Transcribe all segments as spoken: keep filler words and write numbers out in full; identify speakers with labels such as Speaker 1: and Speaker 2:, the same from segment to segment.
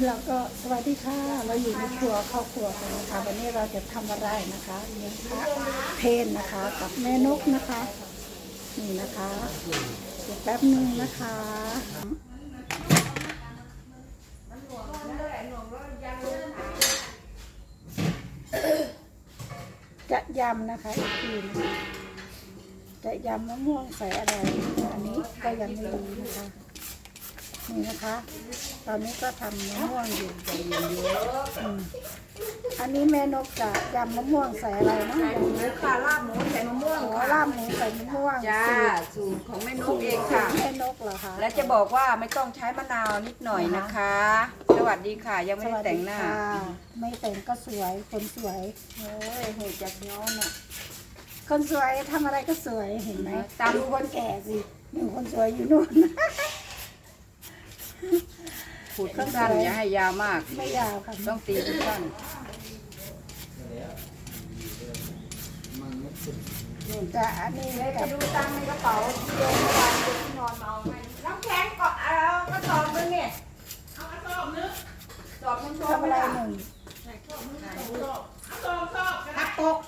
Speaker 1: เราก็สวัสดีค่ะเราอยู่ในครัวครอบครัวกันนะคะวันนี้เราจะทำอะไรนะคะเลี้ยงพระเพนนะคะกับแม่นกนะคะนี่นะคะเดี๋ยวแป๊บนึงนะคะจะยำนะคะอีกทีนึงจะยำมะม่วงใส่อะไรอันนี้ก็ยังไม่รู้นะคะนี่นะคะ ตอนนี้ก็ทำมะม่วงอยู่ใจเย็นเยอะอันนี้แม่นกจะยำมะม่วงใส่อะไรนะ
Speaker 2: ใส่หมูค่ะลาบหมูใส่มะม่วง
Speaker 1: หัว
Speaker 2: ค่ะ
Speaker 1: ลาบหมูใส่มะม่วง
Speaker 2: จ้า
Speaker 1: สูตร
Speaker 2: สูตรของแม่นกเองค่ะ
Speaker 1: แม่นกเหรอคะ
Speaker 2: และจะบอกว่าไม่ต้องใช้มะนาวนิดหน่อยนะคะ สวัสดีค่ะ ยังไม่ได้แต่งหน้า
Speaker 1: สวัสดีค่ะไม่แต่งก็สวยคนสวย
Speaker 2: โอ้ยเหตุจากย้อนอ่ะ
Speaker 1: คนสวยทำอะไรก็สวยเห็นไหม
Speaker 2: ตาม
Speaker 1: ดูคนแก่สิหนึ่งคนสวยอยู่นู่น
Speaker 2: ขูดสั้นๆอย่าให้ยาวมาก
Speaker 1: ไม่ยาวค่ะ
Speaker 2: ต้องตีสั้น
Speaker 1: จะอันนี้
Speaker 2: ๆแล้ว
Speaker 1: กั
Speaker 2: จะ
Speaker 1: บ
Speaker 2: ดูตังค์ในกระเป๋าที่โยนเมื่อวานที่นอนมาเอาให้น้ำแข็งก็เอากระสอบนึงเนี่ยเอากระสอบนึงสอบนึง
Speaker 1: ทำอะไรหนึ่ง
Speaker 2: ทักปก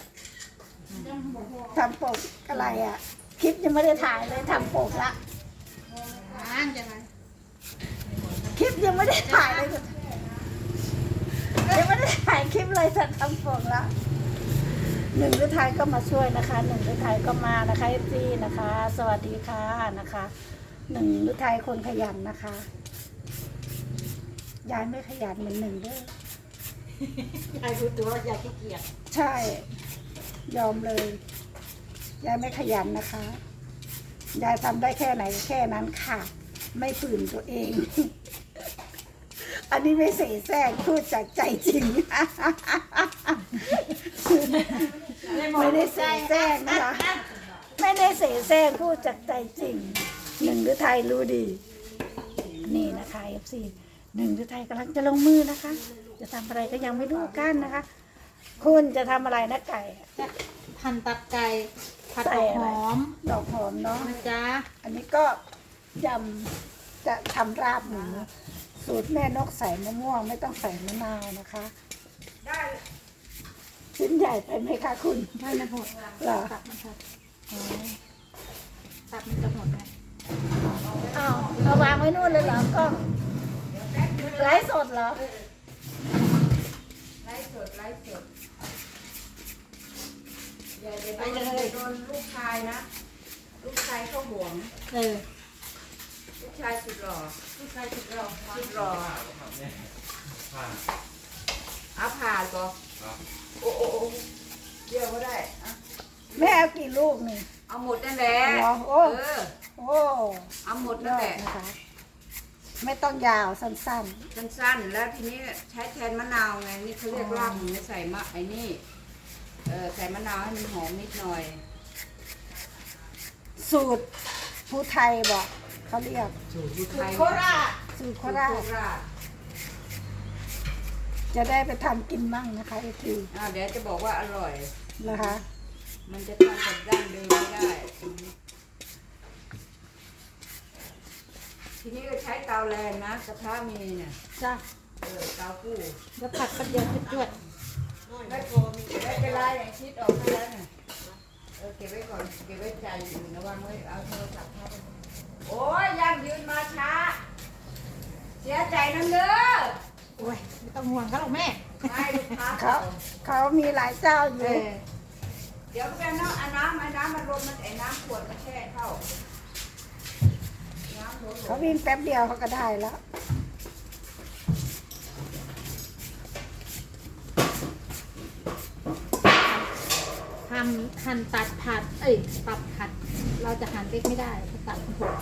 Speaker 1: ทำปกอะไรอ่ะคลิปยังไม่ได้ถ่ายเลยทำปกละ
Speaker 2: อ่านจะไง
Speaker 1: คลิปยังไม่ได้ถ่ายเลยยังไม่ได้ถ่ายคลิปเลยจะทำปกละหนึ่งฤทัยก็มาช่วยนะคะหนึ่งฤทัยก็มานะคะเอฟซีนะคะ สวัสดีค่ะนะคะหนึ่งฤทัยคนขยันนะคะยายไม่ขยันเหมือนหนึ่งเด้อย
Speaker 2: ายรู้ตัวว่ายายขี้เกียจ
Speaker 1: ใช่ยอมเลยยายไม่ขยันนะคะ ยายทำได้แค่ไหนแค่นั้นค่ะ ไม่ฝืนตัวเอง อันนี้ไม่เสแสร้งพูดจากใจจริง ไม่ได้เสแสร้งนะคะ ไม่ได้เสแสร้งพูดจากใจจริง หนึ่งฤทัยรู้ดี นี่นะคะเอฟซีหนึ่งฤทัยกำลังจะลงมือนะคะ จะทำอะไรก็ยังไม่รู้กันนะคะ คุณจะทำอะไรนะไก่
Speaker 3: จะหั่นตับไก่ผัด
Speaker 1: ใส่
Speaker 3: ดอก
Speaker 1: อะ
Speaker 3: ห
Speaker 1: ไร
Speaker 3: อม
Speaker 1: ดอกหอมเนาะ
Speaker 3: นะจ๊ะ
Speaker 1: อันนี้ก็ยำจะทำราบหมูสูตรแม่นกใส่มะม่วงไม่ต้องใส่มะนาวนะคะ
Speaker 2: ได้
Speaker 1: ชิ้นใหญ่ไปไหมคะคุณ
Speaker 3: ได้มันหด
Speaker 1: เหรอ
Speaker 3: ตับมันหดตับมันจะหดไหม
Speaker 1: อ้าวเอาวางไว้นู่นเลยเหรอกล้องไลฟ์สดเหรอ
Speaker 2: ไล่สดไล่สดอย่าอย่าโดนอย่าโดนลูกชายนะ ลูกชายเขาห่วง
Speaker 3: เออ
Speaker 2: ลูกชายสุดหล่อลูกชายสุดหล่อสุดหล่อเอาผ่านก็โอ้โอ้โอ้เดี๋ยวก็ได้อะ
Speaker 1: แม่เอากี่ลูกนี่
Speaker 2: เอาหมดนั่นแหละ
Speaker 1: เหรอโอ้
Speaker 2: เออ
Speaker 1: โอ้
Speaker 2: เอาหมด
Speaker 1: ย
Speaker 2: นั่น
Speaker 1: อ
Speaker 2: แห
Speaker 1: ด
Speaker 2: ละ
Speaker 1: นะคะ ไม่ต้องยาวสั้น
Speaker 2: สั้นๆแล้วทีนี้ใช้แทนมะนาวไงนี่เขาเรียกลาบหมูใส่มะไอ้นี่เออใส่มะนาวให้มันหอมนิดหน่อย
Speaker 1: ๆ สูตรผู้ไทยบอกเขาเรียก
Speaker 2: สูตรไทย
Speaker 1: โคราชสูตรโคราช
Speaker 2: โคราช
Speaker 1: จะได้ไปทำกินมั่งนะคะไอที
Speaker 2: อ่าเดี๋ยวจะบอกว่าอร่อย
Speaker 1: นะคะ
Speaker 2: มันจะทำแบบดั้งเดิมไม่ได้ ทีนี้ก็ใช้เตาแรงนะกระทะมีเนี่ย
Speaker 3: จ้ะ
Speaker 2: เออเตากู้
Speaker 3: แล้วผัดแป๊บเดียวจวด
Speaker 2: ไม่พอมีไม่เป็นไรอย่างชิดออกให้แล้วเนี่ยเออเก็บไว้ก่อนเก็บไว้ใจอื่นระวังไว้เอาโทรศัพท์เข้าไปโอ้ยยังยืนมาช้า เสียใจนั่นเด้อ
Speaker 3: ๆโอ้ยไม่ต้องห่วงเขาหรอกแม่
Speaker 2: ไม่ลูกค้า
Speaker 1: เขาเขามีหลายเจ้าอ
Speaker 3: เอยู่ อ
Speaker 2: เดี๋ยวแกน้ำเอาน้ำเอาน้ำมันรมมันไอ้น้ำขวดมาแช่เข้าน้ำรม
Speaker 1: เขาวิ่งแป๊บเดียวเขาก็ได้แล้ว
Speaker 3: ทำหั่นตัดผัด เอ้ยตับผัด เราจะหั่นเล็กไม่ได้เพราะตับมันหด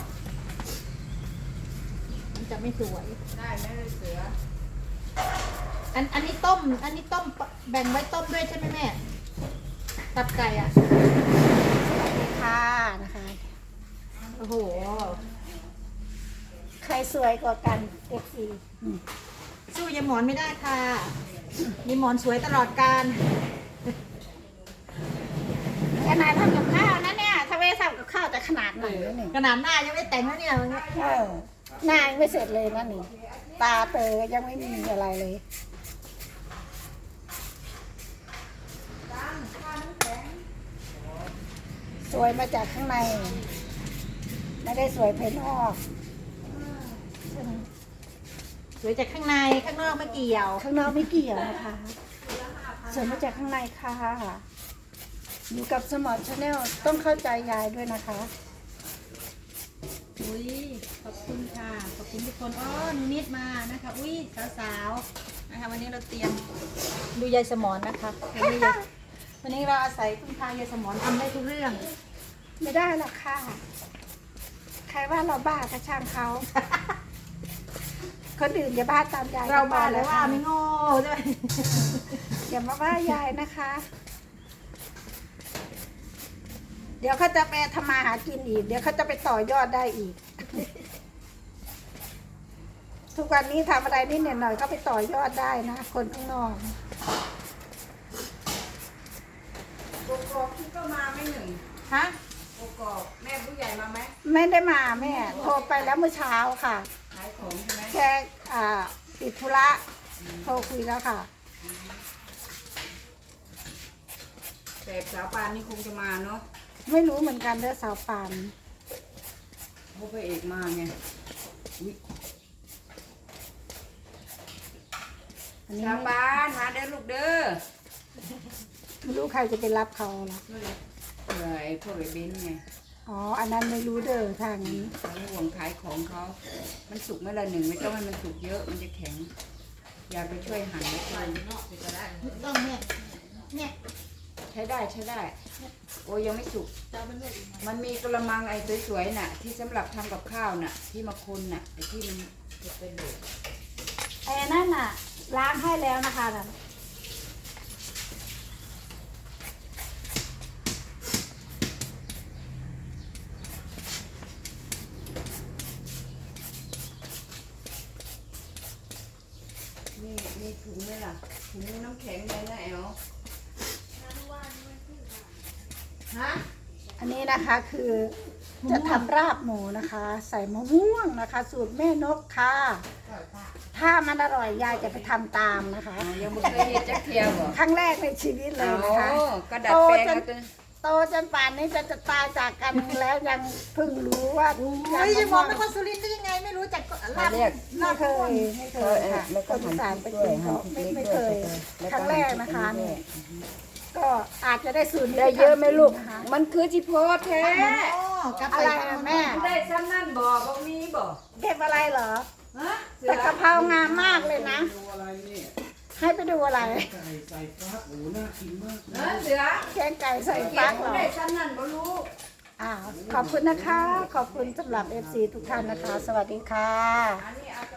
Speaker 3: มันจะไม่สวย
Speaker 2: ได้ไหมเลยเสือ
Speaker 3: อันอันนี้ต้ม อันนี้ต้มแบ่งไว้ต้มด้วยใช่ไหมแม่ ตับไก่อ่ะ
Speaker 1: สวัสดีค่ะนะคะ
Speaker 3: โอ้โห
Speaker 1: ใครสวยกว่ากันเอฟซี
Speaker 3: สู้ยายหมอนไม่ได้ค่ะยายหมอนสวยตลอดการ
Speaker 1: ขนาดทำกับข้าวนะเนี่ยถ้าไม่ทำกับข้าวจะขนาดไหนวะนี่
Speaker 3: ขนาดหน้ายังไม่แต่งแล้วเนี่ยวันนี้
Speaker 1: เออหน้ายังไม่เสร็จเลยนะนี่ตาเตอยังไม่มีอะไรเลย
Speaker 2: ตั้งข้าน้ำแข็ง
Speaker 1: สวยมาจากข้างใน ไม่ได้สวยภายนอกใช่ไหม
Speaker 3: สวยจากข้างในข้างนอกไม่เกี่ยว
Speaker 1: ข้างนอกไม่เกี่ยวนะคะสวยมาจากข้างในค่ะอยู่กับสมอลชาแนลต้องเข้าใจยายด้วยนะคะ
Speaker 3: อุ้ยขอบคุณค่ะขอบคุณทุกคนอ๋อหนูนิดมานะคะอุ้ยสาวๆนะคะวันนี้เราเตรียมดูยายสมอนนะคะวันนี้วันนี้เราอาศัยคุณพายายสมอนทำได้ทุกเรื่อง
Speaker 1: ไม่ได้หรอกค่ะ ใครว่าเราบ้าก็ช่างเขา คนอื่นอย่าบ้าตามยาย
Speaker 3: เราบ้า
Speaker 1: เล
Speaker 3: เลย ยว่า
Speaker 1: ค่ะ
Speaker 3: ไม่โง่ใช่ไหม
Speaker 1: อย่ามาว่ายายนะคะ เดี๋ยวเขาจะไปทำมาหากินอีก เดี๋ยวเขาจะไปต่อยอดได้อีก ทุกวันนี้ทำอะไรนิดหน่อยๆก็ไปต่อยอดได้นะ คนข้างนอก
Speaker 2: โกโก้พี่ก็มาไม่หนึ่ง
Speaker 3: ฮะ
Speaker 2: โกโก้แม่ผู้ใหญ่มาไหม
Speaker 1: ไม่ได้มาแม่โทรไปแล้วเมื่อเช้าค่ะ
Speaker 2: ขายของใช่ไหม
Speaker 1: แค่อ่าติดธุระโทรคุยแล้วค่ะ
Speaker 2: แต่สาวปานนี่คงจะมาเนาะ
Speaker 1: ไม่รู้เหมือนกันเด้อสาวปาน
Speaker 2: เพราะพระเอกมาไงอุ๊ย
Speaker 1: อันนี้
Speaker 2: สาวปานมาเด้อลูกเด้อ
Speaker 1: ไม่รู้ใครจะไปรับเขาล่ะ
Speaker 2: เผื่อไอ้พวกไอ้เบนซ์ไง
Speaker 1: อ๋อ อันนั้นไม่รู้เด้อทางนี้
Speaker 2: เขาห่วงขายของเขา มันสุกเมื่อไรหนึ่งไม่ต้องให้มันสุกเยอะมันจะแข็ง อยากไปช่วยหั่นแล้วกัน
Speaker 3: ต้องเนี่ยเนี่ย
Speaker 2: ใช้ได้ใช้ได้ โอ้ยยังไม่สุก มันมีกระมังไอ้สวยๆน่ะ ที่สำหรับทำกับข้าวน่ะ ที่มาคนน่ะไอ้ที่มันจะเป็นเหลว
Speaker 1: ไอ้นั่นน่ะ ล้างให้แล้วนะคะนั่น
Speaker 2: นี่มีถุงไหมล่ะถุงน้ำแข็งเลยนะแอลฮะ
Speaker 1: อันนี้นะคะคือจะทำราบหมูนะคะ ใส่มะม่วงนะคะ สูตรแม่นกค่ะ ถ้ามันอร่อยยายจะไปทำตามนะคะ
Speaker 2: อ๋อยังไม่เคยเห็นจักเทียบเหรอ
Speaker 1: ครั้งแรกในชีวิตเลย
Speaker 2: เอา
Speaker 1: นะคะ
Speaker 2: กระดาษแปลงเอาตัว
Speaker 1: โตจนป่านนี้จะจะตายจากกันแล้วยังเพิ่งรู้ว่า
Speaker 3: เฮ้ยยายหมอนเป็นคนสุรินทร์ได้ยังไงไม่รู้จักลาบ
Speaker 2: เรียก
Speaker 1: ไม่เคยไม่เคยค่ะคนอีสานไปกินเขาไม่ไม่เคย ครั้งแรกนะคะนี่ก็อาจจะได้สูตรนี้
Speaker 2: ได้เยอะไหมลูก
Speaker 1: นะคะ
Speaker 2: มันคือจิโพแท้
Speaker 3: โอ้กลับ
Speaker 1: อะ
Speaker 3: ไป
Speaker 1: ไรนะแม่
Speaker 2: ได้ซ้ำนั่นบ่บ่มีบ่
Speaker 1: เก็บอะไรเหรอ
Speaker 2: ฮะเสื
Speaker 1: แต่
Speaker 2: อก
Speaker 1: ะเพรางามมากเลยนะ
Speaker 4: ดูอะไรนี่
Speaker 1: ให้ไปดูอะไร
Speaker 4: ไก่ใส่ฟักโอ้โหน่ากินมาก
Speaker 2: เออเสือ
Speaker 1: แกงไก่ใส่
Speaker 2: เก็
Speaker 1: ฟั
Speaker 2: บ
Speaker 1: กเหรอ
Speaker 2: ได้ซ้ำนั่นบ่รู้
Speaker 1: อ่าขอบคุณนะคะ ขอบคุณสำหรับเอฟซีทุกท่านนะคะ สวัสดีค่ะ
Speaker 2: อันนี้เอา